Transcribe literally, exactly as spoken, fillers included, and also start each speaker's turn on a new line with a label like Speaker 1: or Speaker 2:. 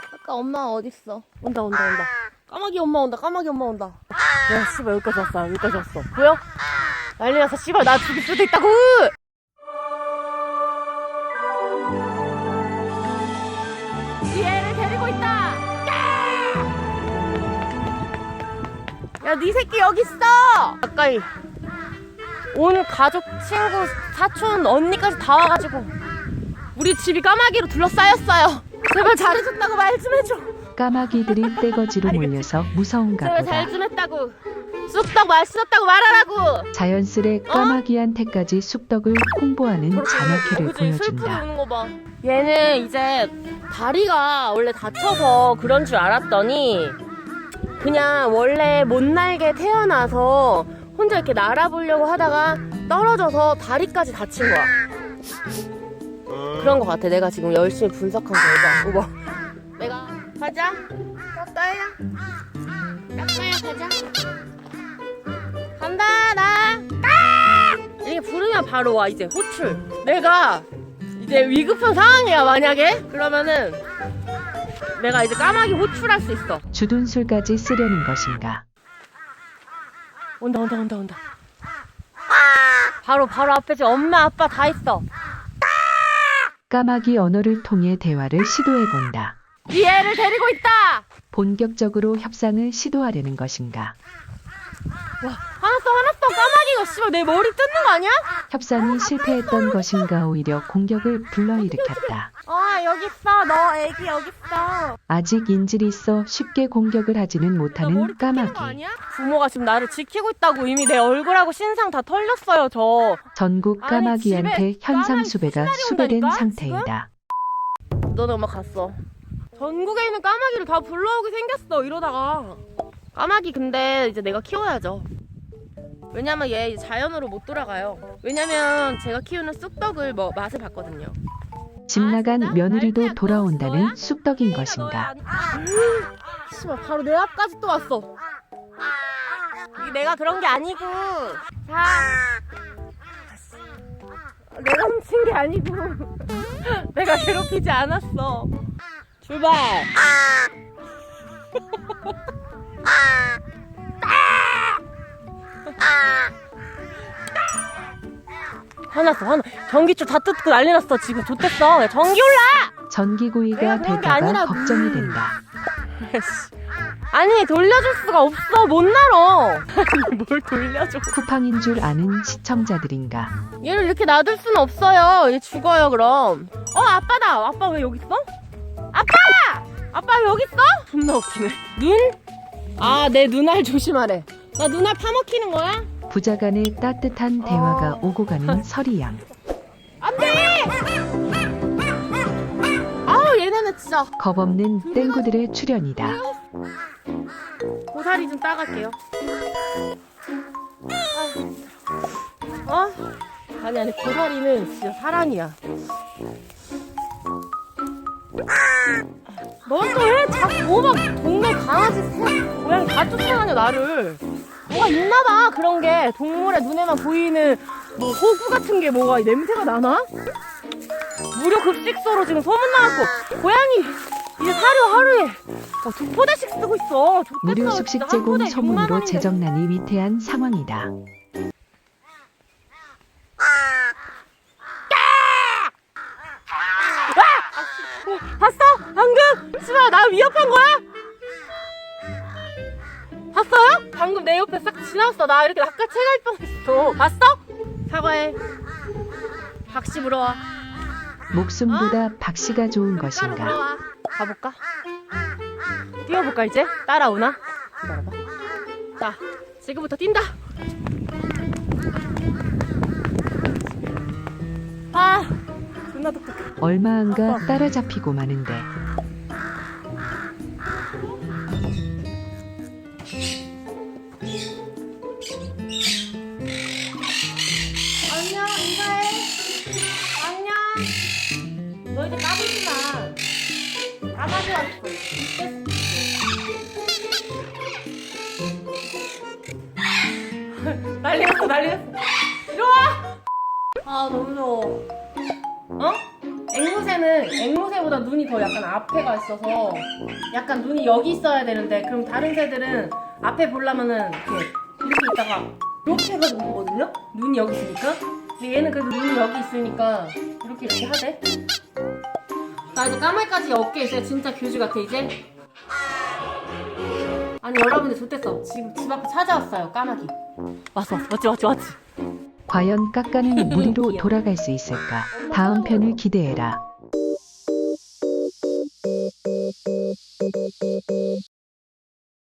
Speaker 1: 아까 엄마 어딨어? 온다 온다 온다. 까마귀 엄마 온다. 까마귀 엄마 온다. 야 씨발 여기까지 왔어. 여기까지 왔어. 보여? 난리 났어. 씨발 나 죽일 수도 있다고. 이 애를 데리고 있다. 야 네 새끼 여기 있어. 가까이. 온 가족, 친구, 사촌, 언니까지 다 와가지고 우리 집이 까마귀로 둘러싸였어요. 제발 잘해줬다고 말 좀 해줘.
Speaker 2: 까마귀들이 떼거지로 몰려서 무서운가
Speaker 1: 제발
Speaker 2: 보다.
Speaker 1: 잘 좀 했다고. 쑥떡 맛있었다고 말하라고.
Speaker 2: 자연스레 까마귀한테까지 쑥떡을 홍보하는 잔악회를
Speaker 1: 그치, 슬프게
Speaker 2: 보여준다.
Speaker 1: 우는 거 봐. 얘는 이제 다리가 원래 다쳐서 그런 줄 알았더니 그냥 원래 못 날게 태어나서 혼자 이렇게 날아보려고 하다가 떨어져서 다리까지 다친 거야. 그런 거 같아. 내가 지금 열심히 분석한 결과. 오버. 내가 가자. 까까야. 까까야 가자. 간다 나. 까! 이렇게 부르면 바로 와. 이제 호출. 내가 이제 위급한 상황이야 만약에. 그러면은 내가 이제 까마귀 호출할 수 있어.
Speaker 2: 주둔 술까지 쓰려는 것인가.
Speaker 1: 온다 온다 온다 온다. 바로 바로 앞에 지금 엄마 아빠 다 있어.
Speaker 2: 까마귀 언어를 통해 대화를 시도해본다.
Speaker 1: 이 애를 데리고 있다.
Speaker 2: 본격적으로 협상을 시도하려는 것인가.
Speaker 1: 와 화났어 화났어. 까마귀가 씨발 내 머리 뜯는 거 아니야?
Speaker 2: 협상이 실패했던 것인가 오히려 공격을 불러일으켰다.
Speaker 1: 아 여기 있어. 너 애기 여기 있어.
Speaker 2: 아직 인질이 있어 쉽게 공격을 하지는
Speaker 1: 나 머리
Speaker 2: 못하는
Speaker 1: 뜯기는 거
Speaker 2: 까마귀.
Speaker 1: 아니야? 부모가 지금 나를 지키고 있다고. 이미 내 얼굴하고 신상 다 털렸어요 저.
Speaker 2: 전국
Speaker 1: 아니,
Speaker 2: 까마귀한테
Speaker 1: 집에
Speaker 2: 현상
Speaker 1: 까마귀
Speaker 2: 수배가
Speaker 1: 수달이
Speaker 2: 수배된
Speaker 1: 온다니까,
Speaker 2: 상태이다.
Speaker 1: 너네 엄마 갔어. 전국에 있는 까마귀를 다 불러오게 생겼어 이러다가. 까마귀 근데 이제 내가 키워야죠. 왜냐면 얘 자연으로 못 돌아가요. 왜냐면 제가 키우는 쑥떡을 뭐 맛을 봤거든요.
Speaker 2: 집 나간
Speaker 1: 아, 진짜?
Speaker 2: 며느리도
Speaker 1: 날짜야,
Speaker 2: 돌아온다는
Speaker 1: 너야?
Speaker 2: 쑥떡인
Speaker 1: 너야,
Speaker 2: 것인가.
Speaker 1: 너야. 씨발 바로 내 앞까지 또 왔어. 이게 내가 그런 게 아니고. 자. 내가 훔친 게 아니고. 내가 괴롭히지 않았어. 출발. 화났어 화나. 전기줄 다 뜯고 난리 났어. 지금 좋댔어. 야, 전기 올라.
Speaker 2: 전기구이가
Speaker 1: 내가 그런 게
Speaker 2: 될까봐
Speaker 1: 아니라고.
Speaker 2: 걱정이 된다.
Speaker 1: 아니 돌려줄 수가 없어. 못 날어. 아니 뭘 돌려줘.
Speaker 2: 쿠팡인 줄 아는 시청자들인가.
Speaker 1: 얘를 이렇게 놔둘 수는 없어요. 얘 죽어요 그럼. 어 아빠다. 아빠 왜 여기 있어? 아빠! 아빠 왜 여기 있어? 존나 웃기네. 눈? 아 내 눈알 조심하래. 나 눈알 파먹히는 거야?
Speaker 2: 부자간의 따뜻한 대화가
Speaker 1: 어.
Speaker 2: 오고 가는 서리양.
Speaker 1: 안돼! 아우 얘네는 진짜.
Speaker 2: 겁없는 땡구들의 출연이다.
Speaker 1: 고사리 좀 따갈게요. 아, 어? 아니 아니 고사리는 진짜 사랑이야. 넌 또 왜 자꾸 뭐막 동네 강아지, 새, 고양이 다 쫓아다녀 나를. 뭐가 있나봐 그런 게. 동물의 눈에만 보이는 뭐 호구 같은 게 뭐가 냄새가 나나? 무료 급식소로 지금 소문나갖고 고양이 이제 사료 하루에 어, 두 포대씩 쓰고 있어. 좋겠어.
Speaker 2: 무료
Speaker 1: 진짜
Speaker 2: 숙식
Speaker 1: 한
Speaker 2: 제공
Speaker 1: 포대 육만
Speaker 2: 소문으로
Speaker 1: 원인데.
Speaker 2: 재정난이 위태한 상황이다.
Speaker 1: 봤어? 방금? 씨발 나 위협한 거야? 봤어요? 방금 내 옆에 싹 지나갔어. 나 이렇게 낚아채갈 뻔했어. 봤어? 사과해. 박씨 물어와.
Speaker 2: 목숨보다 박씨가 좋은
Speaker 1: 따로
Speaker 2: 것인가.
Speaker 1: 물어와. 가볼까? 뛰어볼까 이제? 따라오나? 기다려봐. 자 지금부터 뛴다. 아 존나 똑똑해.
Speaker 2: 얼마 안가 따라잡히고 마는데.
Speaker 1: 안녕 인사해. 안녕. 너 이제 까불지 마. 까마귀 왔어. 난리 났어 난리 났어. 이리 와. 아 너무 더워. 어? 앵무새는 앵무새보다 눈이 더 약간 앞에가 있어서 약간 눈이 여기 있어야 되는데 그럼 다른 새들은 앞에 보려면은 이렇게 이렇게 있다가 이렇게 해가지고 보거든요? 눈이 여기 있으니까. 근데 얘는 그래도 눈이 여기 있으니까 이렇게 이렇게 하대. 나 이제 까마귀까지 어깨에 있어요. 진짜 교주 같아 이제. 아니 여러분들 좋댔어. 지금 집 앞에 찾아왔어요 까마귀. 왔어 왔어 왔지 왔지 왔지.
Speaker 2: 과연 까까는 무리로 돌아갈 수 있을까? 다음 편을 기대해라.